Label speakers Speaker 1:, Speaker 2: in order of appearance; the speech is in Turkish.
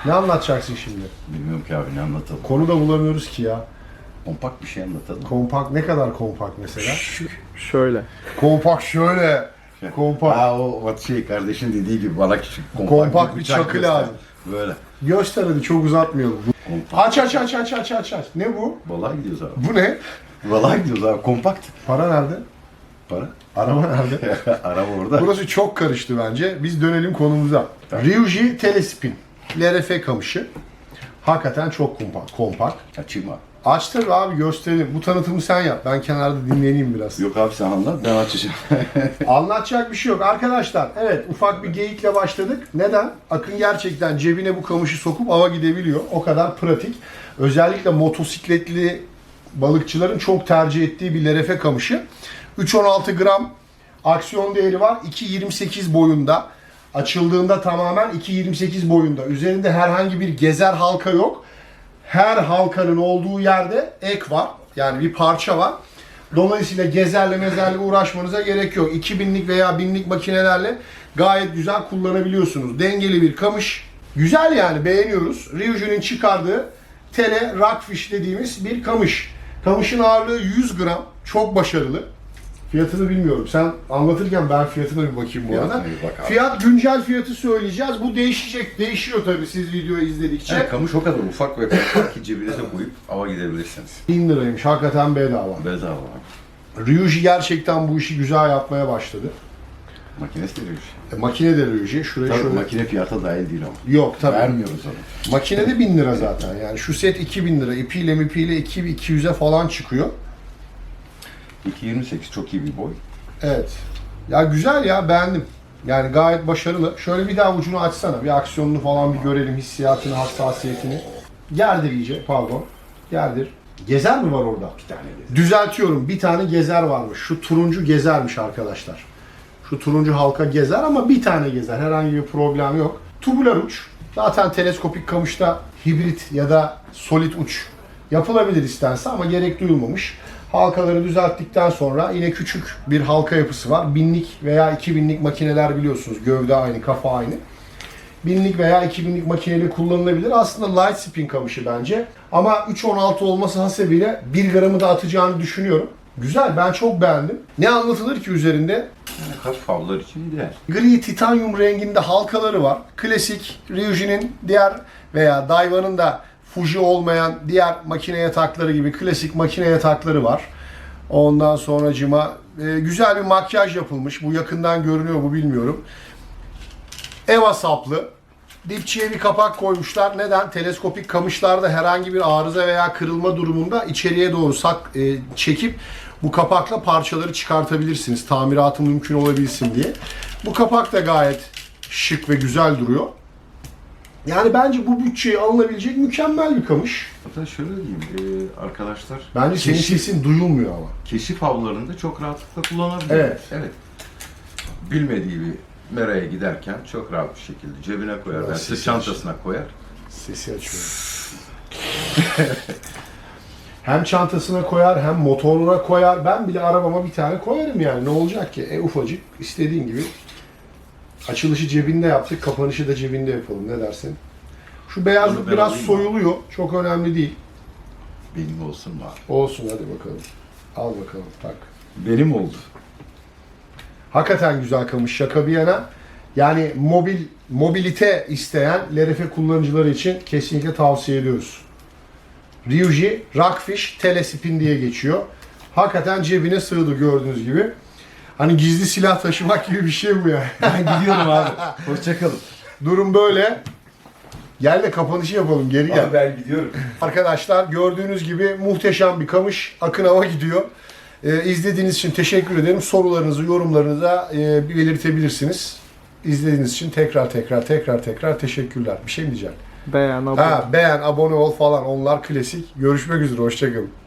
Speaker 1: Ne anlatacaksın şimdi?
Speaker 2: Bilmiyorum ki abi, ne anlatalım.
Speaker 1: Konu da bulamıyoruz ki ya.
Speaker 2: Kompakt bir şey anlatalım.
Speaker 1: Kompakt ne kadar kompakt mesela?
Speaker 3: Şöyle.
Speaker 1: Kompakt şöyle. Kompakt.
Speaker 2: Ha o kardeşin dediği gibi bana küçük
Speaker 1: Kompakt bir
Speaker 2: bıçak
Speaker 1: çakı
Speaker 2: göster.
Speaker 1: lazım.
Speaker 2: Böyle.
Speaker 1: Göster hadi, çok uzatmayalım.
Speaker 2: Kompakt.
Speaker 1: Aç. Ne bu?
Speaker 2: Balığa gidiyoruz abi.
Speaker 1: Bu ne?
Speaker 2: Balığa gidiyoruz abi. Kompakt.
Speaker 1: Para nerede?
Speaker 2: Para.
Speaker 1: Araba nerede?
Speaker 2: Araba orada.
Speaker 1: Burası çok karıştı bence. Biz dönelim konumuza. Ryuji Telespin. LRF kamışı. Hakikaten çok kompakt.
Speaker 2: Açayım abi.
Speaker 1: Aç tabii abi, gösterelim. Bu tanıtımı sen yap. Ben kenarda dinleneyim biraz.
Speaker 2: Yok abi, sen anlat, ben açacağım.
Speaker 1: Anlatacak bir şey yok. Arkadaşlar evet, ufak bir geyikle başladık. Neden? Akın gerçekten cebine bu kamışı sokup ava gidebiliyor. O kadar pratik. Özellikle motosikletli balıkçıların çok tercih ettiği bir LRF kamışı. 3.16 gram aksiyon değeri var. 2.28 boyunda. Açıldığında tamamen 2.28 boyunda. Üzerinde herhangi bir gezer halka yok. Her halkanın olduğu yerde ek var. Yani bir parça var. Dolayısıyla gezerle mezerle uğraşmanıza gerek yok. 2000'lik veya 1000'lik makinelerle gayet güzel kullanabiliyorsunuz. Dengeli bir kamış. Güzel yani, beğeniyoruz. Ryuji'nin çıkardığı tele rockfish dediğimiz bir kamış. Kamışın ağırlığı 100 gram. Çok başarılı. Fiyatını bilmiyorum. Sen anlatırken ben fiyatına bir bakayım bu arada.
Speaker 2: Fiyatına bir bak abi.
Speaker 1: Fiyat, güncel fiyatı söyleyeceğiz. Bu değişecek. Değişiyor tabii siz videoyu izledikçe.
Speaker 2: Yani kamış o kadar ufak ve kompakt ki cebinize koyup ava gidebilirsiniz.
Speaker 1: 1000 liraymış. Hakikaten bedava.
Speaker 2: Bedava abi.
Speaker 1: Ryuji gerçekten bu işi güzel yapmaya başladı.
Speaker 2: Makinesi de bir şey.
Speaker 1: Makine de Ryuji. Şuraya
Speaker 2: Tabii
Speaker 1: şöyle...
Speaker 2: makine fiyata dahil değil ama.
Speaker 1: Yok tabii.
Speaker 2: Vermiyoruz onu.
Speaker 1: Makine de 1000 lira zaten. Yani şu set 2000 lira. İpiyle mipiyle 2200'e falan çıkıyor.
Speaker 2: 2.28 çok iyi bir boy.
Speaker 1: Evet. Ya güzel ya, beğendim. Yani gayet başarılı. Şöyle bir daha ucunu açsana. Bir aksiyonunu falan bir görelim. Hissiyatını, hassasiyetini. Gerdir iyice. Pardon. Gerdir. Gezer mi var orada?
Speaker 2: Bir tane gezer.
Speaker 1: Düzeltiyorum. Bir tane gezer varmış. Şu turuncu gezermiş arkadaşlar. Şu turuncu halka gezer ama bir tane gezer. Herhangi bir problem yok. Tubular uç. Zaten teleskopik kamışta hibrit ya da solid uç yapılabilir istense ama gerek duyulmamış. Halkaları düzelttikten sonra yine küçük bir halka yapısı var. 1000'lik veya 2000'lik makineler biliyorsunuz. Gövde aynı, kafa aynı. 1000'lik veya 2000'lik makineyle kullanılabilir. Aslında light spin kamışı bence. Ama 3.16 olması hasebiyle 1 gramı da atacağını düşünüyorum. Güzel, ben çok beğendim. Ne anlatılır ki üzerinde?
Speaker 2: Yani hafif avlar için ideal.
Speaker 1: Gri titanyum renginde halkaları var. Klasik Ryuji'nin diğer veya Daiwa'nın da Fuji olmayan diğer makine yatakları gibi klasik makine yatakları var. Ondan sonracıma güzel bir makyaj yapılmış. Bu yakından görünüyor mu bilmiyorum. Eva saplı. Dipçiye bir kapak koymuşlar. Neden? Teleskopik kamışlarda herhangi bir arıza veya kırılma durumunda içeriye doğru çekip bu kapakla parçaları çıkartabilirsiniz. Tamiratı mümkün olabilsin diye. Bu kapak da gayet şık ve güzel duruyor. Yani bence bu bütçeye alınabilecek mükemmel bir kamış.
Speaker 2: Hatta şöyle diyeyim arkadaşlar.
Speaker 1: Bence senin sesin duyulmuyor ama.
Speaker 2: Keşif avlarında çok rahatlıkla kullanabilir.
Speaker 1: Evet.
Speaker 2: Evet. Bilmediği bir meraya giderken çok rahat bir şekilde cebine koyar,
Speaker 1: Biraz
Speaker 2: veya
Speaker 1: sesi
Speaker 2: sırt çantasına koyar.
Speaker 1: Sesi açıyorum. Hem çantasına koyar hem motoruna koyar. Ben bile arabama bir tane koyarım yani. Ne olacak ki? Ufacık, istediğin gibi. Açılışı cebinde yaptık, kapanışı da cebinde yapalım. Ne dersin? Şu beyazlık
Speaker 2: Onu ben
Speaker 1: biraz
Speaker 2: alayım
Speaker 1: soyuluyor. Çok önemli değil.
Speaker 2: Benim olsun mu abi?
Speaker 1: Olsun, hadi bakalım. Al bakalım, tak.
Speaker 2: Benim oldu.
Speaker 1: Hakikaten güzel kamış, şaka bir yana. Yani mobilite isteyen LRF kullanıcıları için kesinlikle tavsiye ediyoruz. Ryuji Rockfish Telespin diye geçiyor. Hakikaten cebine sığdı gördüğünüz gibi. Hani gizli silah taşımak gibi bir şey mi ya?
Speaker 2: Ben gidiyorum abi. Hoşçakalın.
Speaker 1: Durum böyle. Gel de kapanışı yapalım, geri gel.
Speaker 2: Ben gidiyorum.
Speaker 1: Arkadaşlar gördüğünüz gibi muhteşem bir kamış. Akın hava gidiyor. İzlediğiniz için teşekkür ederim. Sorularınızı, yorumlarınızı da belirtebilirsiniz. İzlediğiniz için tekrar teşekkürler. Bir şey mi diyeceğim?
Speaker 3: Beğen, abone.
Speaker 1: Beğen, abone ol falan, onlar klasik. Görüşmek üzere, hoşçakalın.